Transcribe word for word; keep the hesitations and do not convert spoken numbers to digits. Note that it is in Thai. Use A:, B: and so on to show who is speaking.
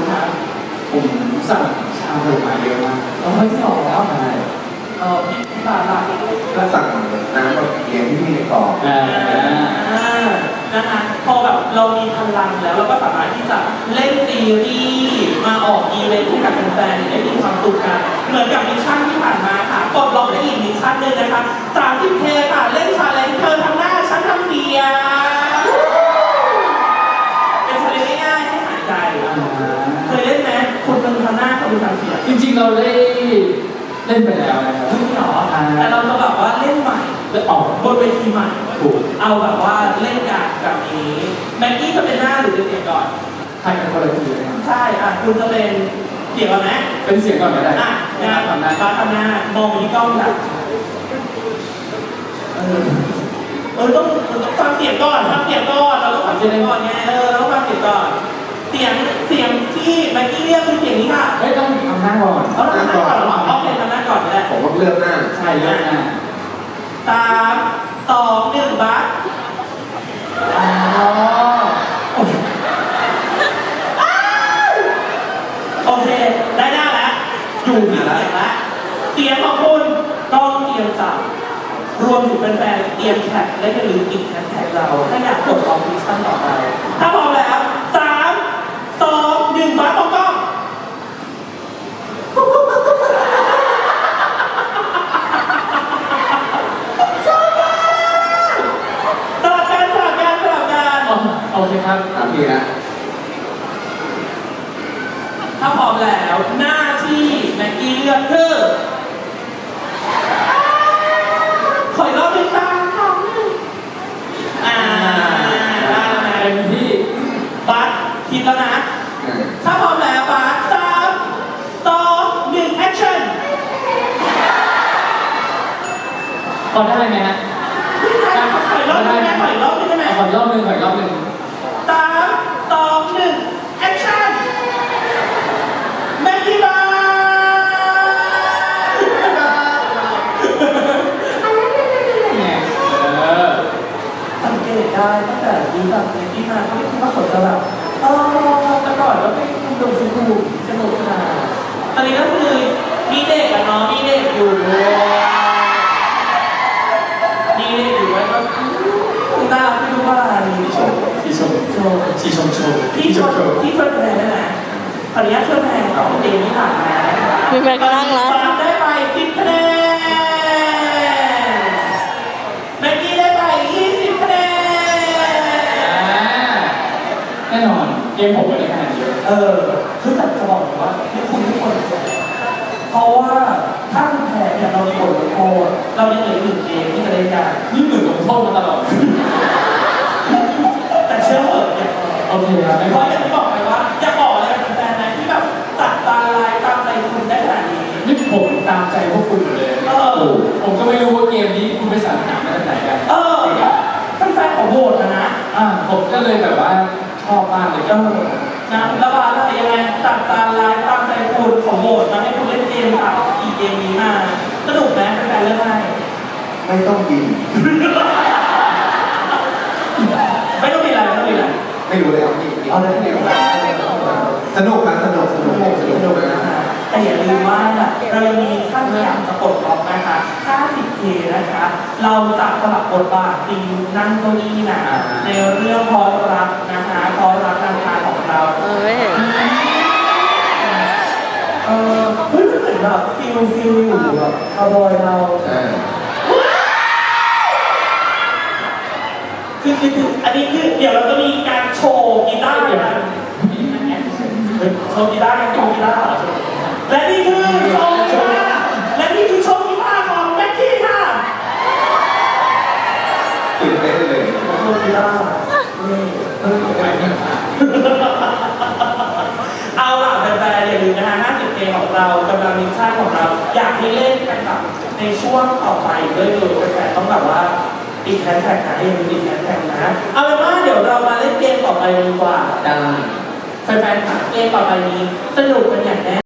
A: ครับ
B: ผมสั่งชาบูมาเยอะมาก
A: เราไม่ที่ออกแล้ว
B: ใช่
A: เออพี่บาทละ
C: ก็สั่งน้ำกับเลี้ยงที่มีในกล่อง
B: อ่า
A: นะคะพอแบบเรามีพลังแล้วเราก็สามารถที่จะเล่นซีรีส์มาออกอีเวนต์ให้กับแฟนๆได้มีความสุขกันเหมือนกับมิชชั่นที่ผ่านมาค่ะกดล็อกได้อีกมิชชั่นหนึ่งนะคะ สามสิบเค ค่ะเล่นชาเลนจ์เธอทำหน้าฉันทำเสียงเป็นชาเลนจ์ง่ายๆให้หายใจเคยเล่นไหมคุณเป็นทำหน้าคุณทำเสียง
B: จริงๆเราได้เล่นไปแล้วนะครับ
A: ไม่หรอแต่เราจะแบบว่าเล่นใหม่
B: ได้ออก
A: บนเวทีใหม่
B: ถูก
A: เอาแบบว่าเล่นกันแบบนี้แม็กกี้จะเป็นหน้าหรือเป็นเสียงก่อน
B: ให้เป็นคนละทีเลยครับ
A: ใช่อ่ะคุณจะเป็นเสียงก่อนไหม
B: เป็นเสียงก่อนก็ได้
A: อ่ะงาน
B: ทำได้
A: บาร์ทำหน้ามองไปที่กล้องแบบเออเออต้องต้องฟังเสียงก่อนฟังเสียงก่อนเราต้องฟังเสียงก่อนไงเออเราต้องฟังเสียงก่อนเสียงเสียงที่แม็กกี้เรียกคือเสียงนี้ค่ะ
B: เฮ้ยต้องทำหน้าก่อน
A: เอาทำหน้าก่อนเหรอโอเคทำหน้าก่อนก็ได้
C: ผมก็เลือกหน้า
B: ใช่เลือกหน้า
A: สามสองหนึ่งบาร์
B: อ๋อ
A: โอเค ได้หน้าแล้วอยู่ที่เสียงแล้วเสียงของคุณต้องเตรียมจับรวมถึงแฟนๆเตรียมแท็กและอย่าลืมอีกแท็กเราถ้าอยากกดออกมิชชั่นต่อไปถ้าพร้อมแล้วสามสองหนึ่งมาตรงกล้องสลับกันสลับกันสลับกัน
B: อ๋อโอเคครับ
C: ตามพี่นะ
A: ถ้าพร้อมแล้วหน้าที่แม็กกี้เลือกคือขออีกรอบหนึ่งค่ะอ่าได้ไหม
B: เต็มที่
A: บัสคิดแล้วนะ
C: อ่า
A: ถ้าพร้อมแล้วบัสสามสองหนึ่งแอคชั่น
B: พอได้ไหมฮะ
A: ขออีกรอบหนึงได้ไหมขออีกรอบหนึงได้ไหม
B: ขออีกรอบหนึ่งขออีกรอบหนึ่ง
A: สามสองหนึ่งแอคชั่นแม็กกี้บัส
B: เนี่ยเออ
A: สังเกตได้ตั้งแต่ดูจากเนที่มาเขาไม่คิดว่าเขาจะแบบเออแต่ก่อนก็เป็นคุณดูสนุกสนุกสนานตอนนี้ก็คือมีเด็กอะเนาะมีเด็กอยู่ด้วยมีเด็กอยู่ด้วยก็คุณตาพี่รู้ว่าอะไร
B: ที่ชมที่ชม
A: โชว์
B: ที่ชมโชว์
A: พี่ชมพี่ช่วยคะแนนได้ไหมขออนุญาตช่วยคะแนนของเดนี่ผ่านมา
D: มีแฟนก็นั่งแล้ว
A: ปาล์มได้ไปสิบคะแนนแม็กกี้ได้ไปยี่สิบคะแนน
B: แน่นอนเกมผมไม่ได้คะแนนเยอะ
A: เออคือแต่จะบอกว่าให้คุณทุกคนเพราะว่าถ้าคุณแพ้เนี่ยเรามีบทลงโทษเรายังเหลืออีกหนึ่งเกมที่จะเล่นกัน
B: นี่หนึ่งลงโทษมาตลอด
A: แต่เชื่อเถอะอย่า
B: โอเคครับไม่
A: เพ
B: พอ
A: ราะอย่างที่บอกไปว่าอยากบอกอะไรกับแฟนๆนะที่แบบจัดตาลายตามใจคุณได้ขนาดนี้
B: นี่ผมตามใจพวกคุณอยู่เลย
A: เออ
B: ผมก็ไม่รู้ว่าเกมนี้คุณไปสั่งหนังมาจากไหนกัน
A: เออแฟนๆของโหวตนะนะ
B: อ่าผมก็เลยแบบว่าชอบมากเลย
A: เอ
B: ก็
A: อนะแล้วบาร์อะไรยังไงจัดตาลายตามใจคุณของโหวตมาให้คุณเล่นเกมค่ะอีเกมนี้มาสนุกไหมแฟนๆเล่นได้
C: ไม่ต้องกิน
A: ไม่ต้องมีอะไรไม่ต้องมีอะไร
C: ไม่รู้เลยเอาพี่
A: เอาเลยที่ไหนก็ได้
C: สนุกครับสนุกสนุกสนุกสนุกนะ
A: แต่อย่าลืมว่าเรายังมีขั้นที่อยากจะปลดล็อกนะคะ ห้าสิบเค นะคะ เราจะสลับบทบาทซีนนั่งเก้าอี้นะในเรื่องพอรักนะคะพอรักนางคาของเรา
D: เออไม่เห็น
A: เออเฮ้ยมันเหมือนแบบฟิลฟิลอยู่แบบคาวบอยเรา
C: อ่า
A: คือคือคืออันนี้คือเดี๋ยวเราจะมีการโชว์กีตาร์กันโชว์กีตาร์กันโชว์กีตาร์และนี่คือโชว์กีตาร์และนี่คือโชว์กีตาร์ของแม็กกี้ค่ะ
C: ตื่นเต้นเลย
A: โชว์กีตาร์นี่เออเอาล่ะแฟนๆอย่าลืมนะคะห้าสิบเค ของเรากำลังมิชชั่นของเราอยากให้เล่นกันแบบในช่วงต่อไปด้วยเลยแฟนๆต้องแบบว่าอีกแฮชแท็กนะยังมีอีกแฮชแท็กนะเอาเป็นว่าเดี๋ยวเรามาเล่นเกมต่อไปดีกว่า
B: ได้
A: แฟนๆค่ะเกมต่อไปนี้สนุกกันอย่างแน่